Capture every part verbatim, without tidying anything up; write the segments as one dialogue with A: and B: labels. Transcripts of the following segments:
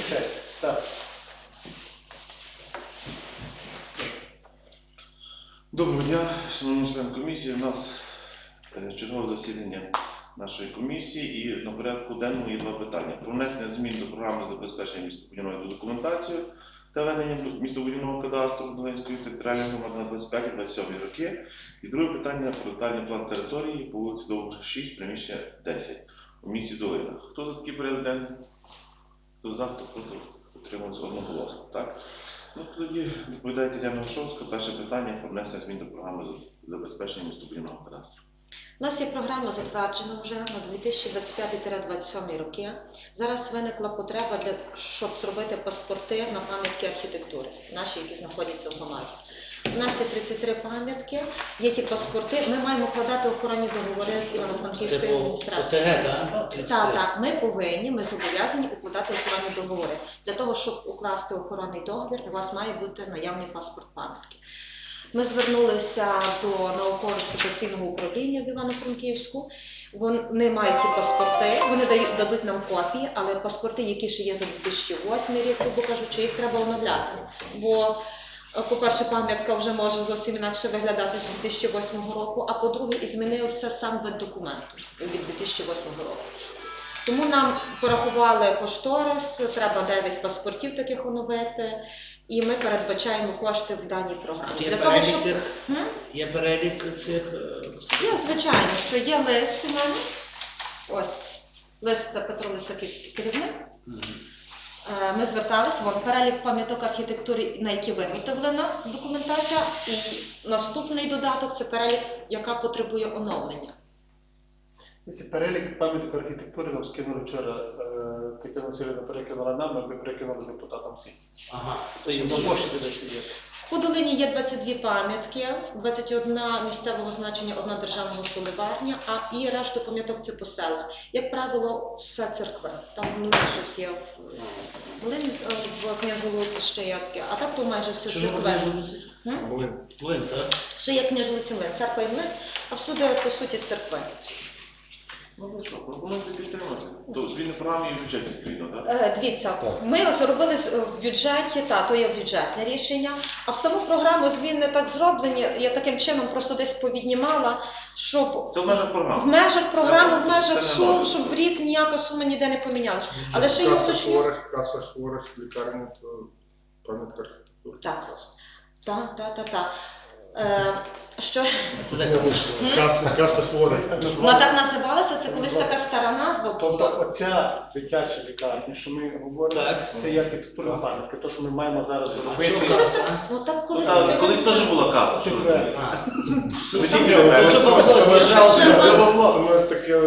A: Включається. Так.
B: Доброго дня, шановні члени комісії. У нас е, чергове засідання нашої комісії і на порядку денному є два питання. Про внесення змін до програми забезпечення містобудівної документацією та ведення містобудівного кадастру Долинської територіальної громади на двадцять п'яті - двадцять сьомі роки. І друге питання про детальний план території по вулиці Довга, шість, приміщення десять у місті Долина. Хто за такий порядок денний? Хто за, хто проти? Утримується одноголосно. Так? Ну, тоді відповідає Тетяна Вишовська. Перше питання про внесення змін до програми забезпечення містобудівного кадастру.
C: У нас є програма затверджена вже на дві тисячі двадцять п'ятий - двадцять сьомий роки. Зараз виникла потреба, для, щоб зробити паспорти на пам'ятки архітектури, наші, які знаходяться в громаді. У нас є тридцять три пам'ятки, є ті паспорти. Ми маємо вкладати охоронні договори з Івано-Франківською адміністрацією. Так, так, ми повинні, ми зобов'язані укладати охоронні договори. Для того, щоб укласти охоронний договір, у вас має бути наявний паспорт пам'ятки. Ми звернулися до науково-експлуатаційного управління в Івано-Франківську. Вони мають ті паспорти, вони дають, дадуть нам копії, але паспорти, які ще є за дві тисячі восьмий рік, грубо кажучи, їх треба оновляти. Бо, по-перше, пам'ятка вже може зовсім інакше виглядати з дві тисячі восьмого року, а по-друге, і змінився сам вид документу від дві тисячі восьмого року. Тому нам порахували кошторис, треба дев'ять паспортів таких оновити, і ми передбачаємо кошти в даній програмі.
D: Є
C: Для
D: перелік
C: того, щоб...
D: цих?
C: М?
D: Є перелік цих?
C: Є, звичайно, що є лист у мене. Ось, лист – це Петро Лисаківський керівник. Mm-hmm. Ми зверталися, вон перелік пам'яток архітектури, на які виготовлена документація, і наступний додаток – це перелік, яка потребує оновлення.
A: Ці перелік пам'яток архітектури нам скинули вчора, Тетяна Василівна перекинула нам, ми перекинули депутатам всім.
D: Ага,
A: стоїть на пошті десь є.
C: В Подолині є двадцять дві пам'ятки, двадцять одна місцевого значення, одна державного соливарня, а і решту пам'яток це по селах. Як правило, все церкви. Там млин щось є. Млин в Княжолуці ще є таке, а так то майже все церкви.
D: Млин. Млин, так?
C: Ще є Княжолуці млин, церква і млин, а всюди, по суті, церкви.
B: Ну, ну що, пропонується підтримати. То зміни програми і в бюджеті відповідно, так?
C: Е, дивіться, ми зробили в бюджеті, та, то є бюджетне рішення, а в саму програму зміни так зроблені, я таким чином просто десь повіднімала, щоб
B: Це в межах програми.
C: в межах програми, в
B: Це
C: межах
B: не
C: сум,
B: нове.
C: щоб в рік ніяка сума ніде не помінялася. Але ще я уточню.
E: Хворих, каса хворих, лікарні, то пам'ятка архітектури.
C: Так, так, так, так, так. Е, що?
E: Каса, каса хворих.
C: Вона так називалася, це колись така стара назва
A: Тобто
C: була.
A: оця дитяча лікарня, що ми говоримо,
D: Так.
A: це є архітектурна пам'ятка, то, що ми маємо зараз робити.
C: Колись так, ну так колись
B: Та,
C: так.
B: колись теж була каса. що ви
A: Чекай.
B: думаєте?
D: А.
B: Ви
D: Це
B: тільки
D: було,
B: не
D: це було,
B: знаєте.
D: це вважало,
C: Це
D: що
C: було.
D: це було.
E: Саме таке,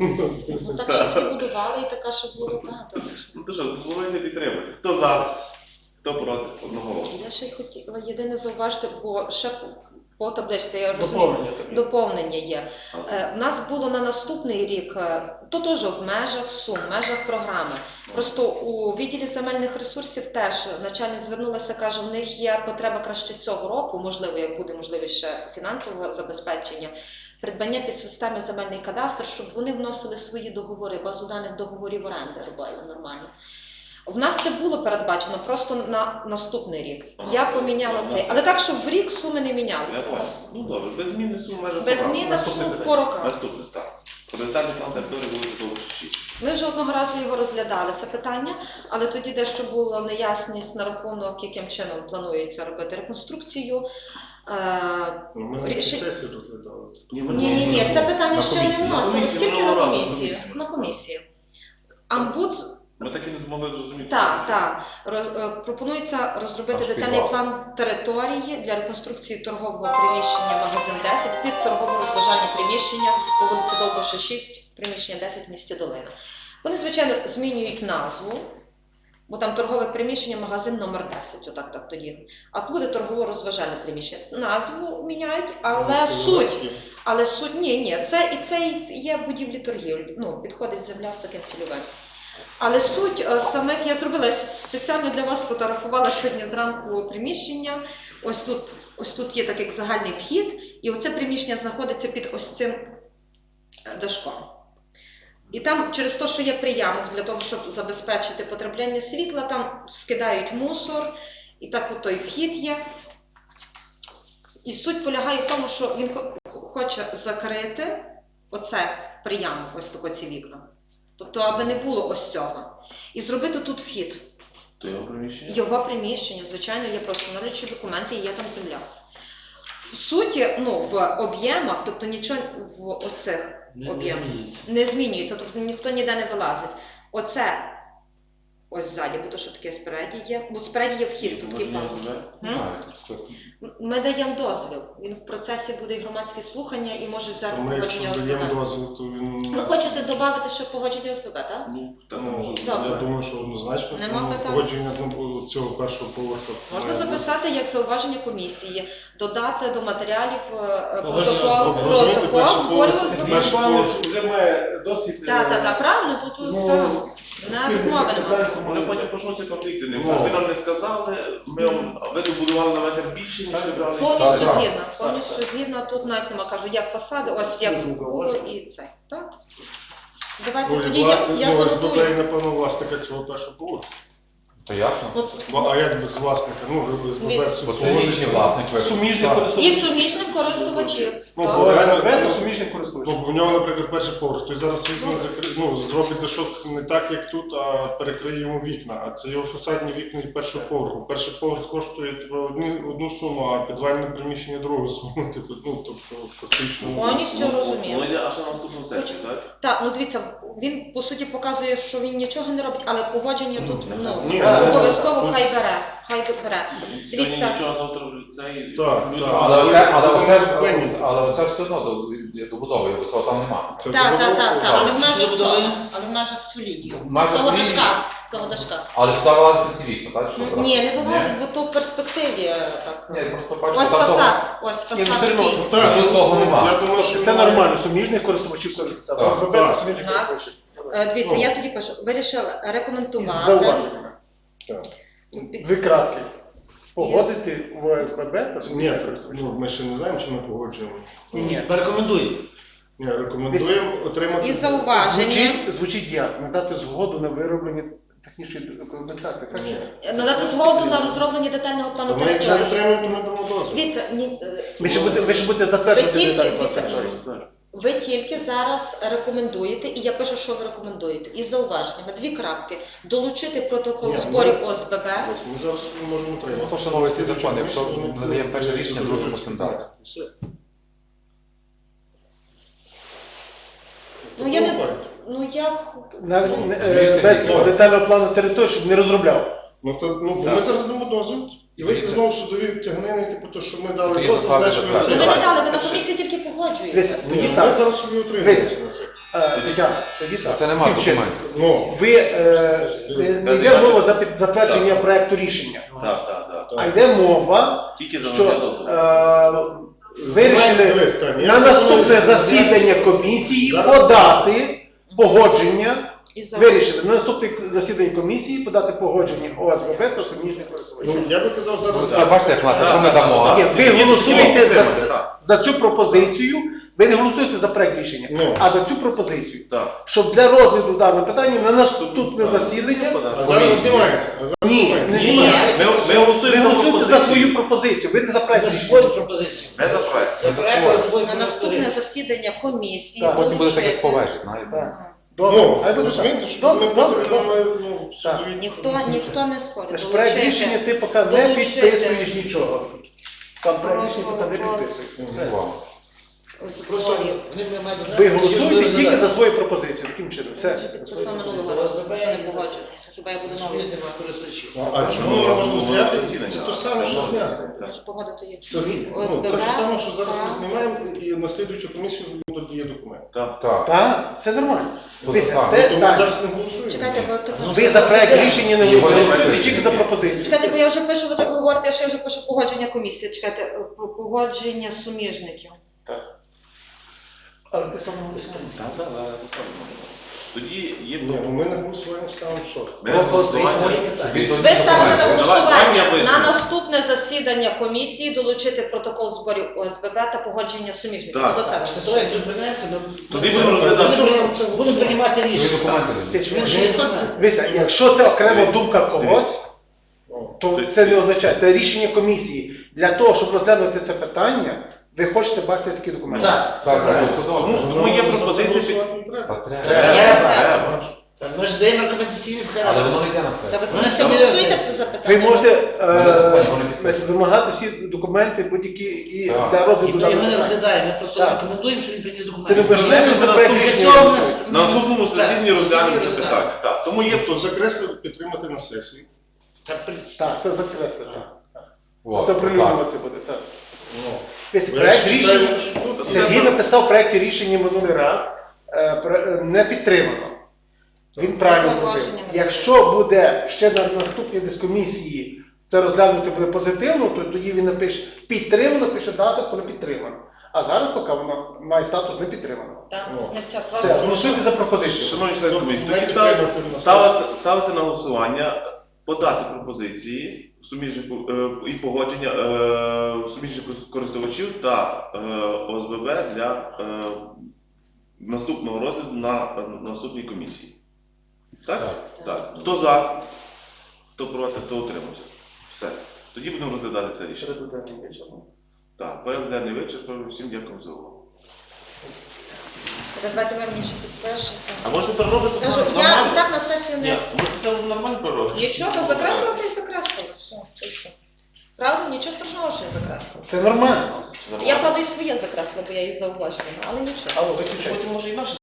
C: Ну так що ти будували і така, що було багато.
B: Ну то що, пропонується підтримати. Хто за? Хто проти? Одного голосу.
C: Я ще й хотіла єдине зауважити, бо ще по табличці, я розумію,
A: Доповнення таке.
C: доповнення є. Е, У нас було на наступний рік, е, то теж в межах сум, в межах програми. Просто у відділі земельних ресурсів теж начальник звернулася, каже, в них є потреба краще цього року, можливо, як буде можливість ще фінансового забезпечення, придбання під системи земельний кадастр, щоб вони вносили свої договори, базу даних договорів оренди робили нормально. В нас це було передбачено просто на наступний рік.
B: Ага.
C: Я поміняла
B: Ну,
C: цей, але так, щоб в рік суми не
B: Я
C: мінялися.
B: бачу. Ну добре, без зміни сум в межах
C: Без
B: програми.
C: зміни
B: Наступне
C: сум
B: питання.
C: по роках.
B: Наступне, так. Про детальний план території вулиці Довга, шість.
C: Ми вже одного разу його розглядали, це питання, але тоді дещо була неясність на рахунок, яким чином планується робити реконструкцію. Е,
E: Ми на
C: Ріши-
E: цій сесії розглядали.
B: Ні, ми
C: Ні, ні, ні, це питання
B: На
C: ще не
B: комісії. На
C: вносилось,
B: комісії,
C: тільки на
B: минулого разу,
C: комісії.
B: на комісії.
C: На комісії. Амбуд,
B: Ми так і не змогли зрозуміти.
C: так, так. Роз- е, пропонується розробити
E: Аж
C: детальний
E: підвал.
C: план території для реконструкції торгового приміщення магазин десять під торгово-розважальне приміщення по вулиці Довбуша, шість, приміщення десять в місті Долина. Вони, звичайно, змінюють назву, бо там торгове приміщення, магазин номер десять, отак так тоді. А тут буде торгово-розважальне приміщення. Назву міняють, але суть, але суть, ні, ні, це і це і є будівлі торгівлі, ну, підходить земля з таким цільовим. Але суть е, самих, я зробила спеціально для вас, фотографувала сьогодні зранку приміщення, ось тут, ось тут є так як загальний вхід, і оце приміщення знаходиться під ось цим е, дашком. І там через те, що є приямок для того, щоб забезпечити потрапляння світла, там скидають мусор, і так от той вхід є. І суть полягає в тому, що він хо- хоче закрити оце приямок, ось тако ці вікна. Тобто, аби не було ось цього. І зробити тут вхід.
B: То його приміщення?
C: Його приміщення, звичайно, є просто встановлюючі документи і є там земля. В суті, ну, в об'ємах, тобто нічого в оцих
D: Не, не
C: об'ємах
D: змінюється.
C: не змінюється, тобто ніхто ніде не вилазить. Оце ось ззаді, бо то, що таке спереді є. Бо спереді є вхід, тут такий пандус. М? Ми даємо дозвіл. Він в процесі буде і громадські слухання і може взяти
E: То ми, якщо
C: погодження
E: даємо
C: ОСББ.
E: дозвіл, то він...
C: Ви хочете додати ще погодження ОСББ, так?
B: Ну, так,
E: Ну,
B: може.
C: Добре.
E: я думаю, що однозначно
C: Нема
E: ну,
C: питань.
E: погодження ну, цього першого поверху.
C: Можна
E: має
C: записати як зауваження комісії, додати до матеріалів е,
D: Погодження
C: протокол,
E: ОСББ. Розумієте,
C: протокол
E: перше
C: зборів
E: слово це
C: ОСББ.
E: перше.
A: Сергій Іванович вже має досвід.
C: Так, так, так, правильно, тут
A: Ну,
C: тут так, не відмови немає.
B: Вони потім почнуться конфлікти. Не
E: Ну.
B: ви нам не сказали, ми вам, а ви добудували на метр більше, ніж сказали.
C: Повністю
E: Так, так.
C: згідна, повністю згідна, тут навіть нема, кажу, як фасади, ось як
A: Дуже
C: було
A: зауваження.
C: і це, так? Давайте
E: Ну,
C: тоді
E: і
C: я,
E: вла-
C: я
E: ну, ОСББ,
C: занотую.
E: напевно, власника цього першого поверху.
F: То ясно.
C: Ну,
E: Бо, а як без власника? Ну, ви ОСББ
C: Від-
E: собі
F: Бо це
E: погодите.
F: вічний власник ви.
A: Суміжний
E: Так.
C: І
A: користувач.
C: суміжним користувачів.
E: Ну,
C: так.
E: бо реально-
A: ОСББ то суміжний користувач.
E: Ну, бо в нього, наприклад, перший поверх. Той зараз візьме, закри- ну, зробить дешок не так, як тут, а перекриє йому вікна. А це його фасадні вікна і першого поверху. Перший поверх коштує типу, одні, одну суму, а підвальне приміщення другу суму. Типу, ну, тобто, фактично.
C: Повністю розумію.
B: Воно йде аж на наступну сесію, так?
C: Так, ну дивіться, він по суті показує, що він нічого не робить, але погодження тут ну,
E: Ні,
C: обов'язково
E: ну,
C: хай бере. Хай бере.
B: Сьогодні
C: Дивіться,
B: нічого завтра цей...
E: Так,
B: люди-
E: так.
F: Але оце, але оце,
E: Винні.
F: але оце все одно до- добудовує, бо цього там немає.
E: Це
C: так, так, так,
E: забудова.
C: так, але в межах
D: Що
C: цього,
D: будує?
C: але в межах цю лінію.
F: Майже
C: Того
F: лінію.
C: дашка, того дашка.
F: Але сюди вилазить ці вікна, так? Що
C: Ну,
F: брати?
C: ні, не вилазить, бо то в перспективі так.
F: Ні, просто бачу,
C: Ось
F: там того-
C: фасад, ось
A: Ні, ну,
C: фасад
A: все одно,
C: такий.
E: Так,
F: Тут того нема.
E: Я думаю, що
A: Це
E: немає.
A: нормально, суміжних користувачів користується.
F: Так.
A: ОСББ
E: Так.
A: то суміжних
C: Так.
A: користувачів.
C: Е, Дивіться,
E: Ну.
C: я тоді пишу, вирішила
A: Із
C: рекомендувати.
A: зауваженнями.
E: Так.
A: Дві крапки. Погодити в ОСББ та
E: Ні,
A: суміжних
E: так,
A: користувачів.
E: ну, ми ще не знаємо, чи ми погоджуємо.
A: Ні, ні.
D: Рекомендую.
E: Ні, рекомендуємо отримати.
C: І зауваження.
A: Звучить, звучить як? Надати згоду на вироблення технічної документації. Так?
E: Ні.
A: чи?
C: Надати згоду на розроблення детального плану
E: То ми якщо
C: території.
E: отримаємо, то ми дамо дозвіл.
C: Дивіться, ні, е,
A: Ви ще будете, ви ще будете затверджувати
C: Ви тільки-
A: деталі
C: дивіться,
A: процесу.
C: ви тільки зараз рекомендуєте, і я пишу, що ви рекомендуєте. Із зауваженнями, дві крапки. Долучити протокол
E: Ні,
C: зборів
E: ми-
C: ОСББ.
E: Ось, ми зараз не можемо отримати.
F: Ну, то, що новий цей закон, якщо
E: Вони
F: ми даємо перше
E: будуть
F: рішення, друге мусимо дати.
E: Все.
C: Ну, я не-
E: Говорить.
C: Ну я
A: Навіть
F: Ну,
A: не-
F: місце
A: е, без
F: відкрите.
A: детального плану території, щоб не розробляв.
E: Ну, то, ну, бо
B: Так.
E: ми зараз дамо дозвіл, і вийти
F: Дивіться.
E: знову в судові тягнини, типу, то, що ми дали
F: Тоді
E: дозвіл,
F: заставити
E: значить ми
F: затвердити.
C: ну, ви
E: це...
C: не дали, ви на комісії тільки погоджуєте.
A: Дивіться,
E: Ні,
A: тоді
E: ми
A: так.
E: зараз собі отримаємо.
A: Дивіться. Е, Тетяна, тоді так.
F: Це немає
A: Таким чином.
F: документів.
E: Ну,
A: Ви е, не- не йде мова за під- затвердження проекту рішення,
B: Так, так, так.
A: а йде мова,
B: Тільки за
A: що
B: дозвіл.
A: е, вирішили
E: Дивись, Таня, я
A: на наступне
E: розумію,
A: засідання комісії
E: Зараз-
A: подати погодження.
C: І за-
A: Вирішили на наступне засідання комісії подати погодження ОСББ та суміжних користувачів.
E: ну, я би казав зараз...
F: Ви бачите, як нас, якщо ми дамо,
A: Ні, ви голосуєте
B: підтримати,
A: за,
B: так.
A: за цю пропозицію, ви не голосуєте за проект рішення,
E: Ну.
A: а за цю пропозицію.
B: Так.
A: Щоб для розгляду даного питання на наступне засідання.
E: А зараз знімається. А зараз
A: Ні,
E: знімається.
A: не
C: Ні.
A: знімається.
B: Ми, ми
A: Ви
B: голосуємо за
A: голосуєте за
B: пропозицію.
A: свою пропозицію, ви не за проект
D: На
A: рішення.
D: свою пропозицію.
B: Не за проект.
D: За проект свою
C: На наступне
D: пропозицію.
C: засідання комісії
A: Так,
F: потім буде так, як по
C: долучити.
F: вежі, знаєте.
A: Так. Добре,
E: Ну,
A: хай буде
E: розумієте,
A: так.
E: що
A: Добре,
E: ми
A: добре,
E: потім
A: добре.
E: маємо, ну,
A: Так.
E: судові-
C: Ніхто, ніхто не спорить.
A: Наш проект
C: Долучити.
A: рішення ти поки не
C: Долучити.
A: підписуєш нічого. Там проект рішення поки не підписується. Все.
F: Вам.
D: Просто
C: Зборів.
D: вони не мають
A: Ви
D: донести,
A: голосуєте
D: тоді ж
A: тільки за
D: розглядати.
A: свою пропозицію. Таким чином.
C: Це
A: Все.
C: підписав минулого разу, що не погоджую. Хіба я буду новий?
D: Сумісними користувачів.
E: Ну, а чому не можна зняти?
B: Засідання.
E: Це те саме, що
B: Це
E: зняти.
C: Я ж погодити є.
E: Самі. Ну,
C: ОСББ,
E: це ж саме, що зараз ми
C: так.
E: знімаємо, і на слідуючу комісію додає документ.
B: Так.
F: Так.
A: Так, все нормально.
F: Ну,
A: Дивіться,
F: так.
A: те-
E: То ми
A: так.
E: зараз не голосуємо.
C: Чекайте, бо так-
A: Ви за проект рішення не
F: Його не
A: голосуєте,
F: підписуєте.
A: тільки за пропозицію.
C: Чекайте, бо я вже пишу, ви так говорите, що я вже пишу погодження комісії. Чекайте, про погодження суміжників.
A: Але ти сам не можеш.
B: Так, так, так, поставимо. Тоді є
E: Ні, ну ми на голосування ставимо що?
B: Ми на голосування.
C: Ви ставите на
B: Давай,
C: голосування
B: я поясню.
C: на наступне засідання комісії долучити протокол зборів О С Б Б та погодження суміжників.
B: Так.
C: За це
D: Після
C: ви.
D: того, як тут принесе, ми
B: Тоді будемо розглядати.
D: будемо- будемо приймати
F: Ви
D: рішення.
F: документи
D: Тобто,
F: даєте.
D: він же інструмент.
G: Дивіться, якщо це окрема думка когось,
E: Ну,
G: то це не означає, це рішення комісії. Для того, щоб розглянути це питання, ви хочете бачити такі документи.
D: Так.
F: Так, так, це
B: Тому,
F: добре.
B: тому є
E: за це
B: пропозиція під...
E: голосувати не треба.
F: Та треба.
D: Треба.
B: Треба.
D: Так, Ми ж здаємо рекомендаційні
F: Але
D: вклади.
F: воно не йде на
C: Та
F: все.
C: ви
D: Ну, не
C: голосуєте
D: все.
C: це запитання?
G: Ви можете
F: Вони
G: е,
F: підписують.
G: вимагати всі документи будь-які і
F: Так.
G: для
D: І
G: розгляду.
D: ми його не
G: даного питання.
D: розглядаємо, ми просто
G: Так.
D: рекомендуємо, що він приніс
G: Це не
D: документи.
G: важливо,
B: Внесемо
G: це
B: на
G: проект
B: наступне-
G: рішення.
D: Цього в нас-
B: На наступному засіданні
D: Так,
B: розглянемо це
D: засіданні
B: питання. Так, тому є
E: Тобто закреслити, підтримати на сесії.
D: Так, при-
G: Так, це закреслити.
F: От,
G: Це
F: так.
G: оприлюднено це буде. Так.
E: Ну,
G: Десь
E: я
G: проект
E: ж
G: рішення.
E: читаю, що тут
G: Сергій написав в проєкті рішення минулий раз, е, про- е, не підтримано. Він правильно зробив.
C: Зауваженнями.
G: Якщо буде ще на наступній дискомісії це розглянути буде позитивно, то тоді він напише підтримано, пише дату, коли підтримано. А зараз поки воно має статус не підтримано.
C: Так,
E: Ну.
C: не вчать.
G: Все, голосуйте за пропозицію.
B: Шановні члени комісії, тоді
E: Давайте
B: ставиться,
E: приймемо на
B: ставиться, ставиться на голосування подати пропозиції суміжних е, і погодження е, суміжних користувачів та е, О С Б Б для е, наступного розгляду на, на наступній комісії. Так?
F: Так.
B: Так. Хто за, хто проти, хто утримався. Все. Тоді будемо розглядати це рішення.
G: Середу денний вечір.
B: Так, порядок денний вичерпав. Всім дякую за увагу.
C: Давайте ви мені ще підпишете.
B: А можете переробити?
C: Кажу, я
B: нормально?
C: і так на сесію
B: Ні,
C: не...
B: можете це нормально переробити.
C: Нічого, закреслила та й закреслила. Все, ти що? Правда? Нічого страшного, що я закреслила.
G: Це нормально.
C: Я, правда, і своє закреслила, бо я її зауважила, але нічого.
G: Алло, виключайте.
B: Потім може і наше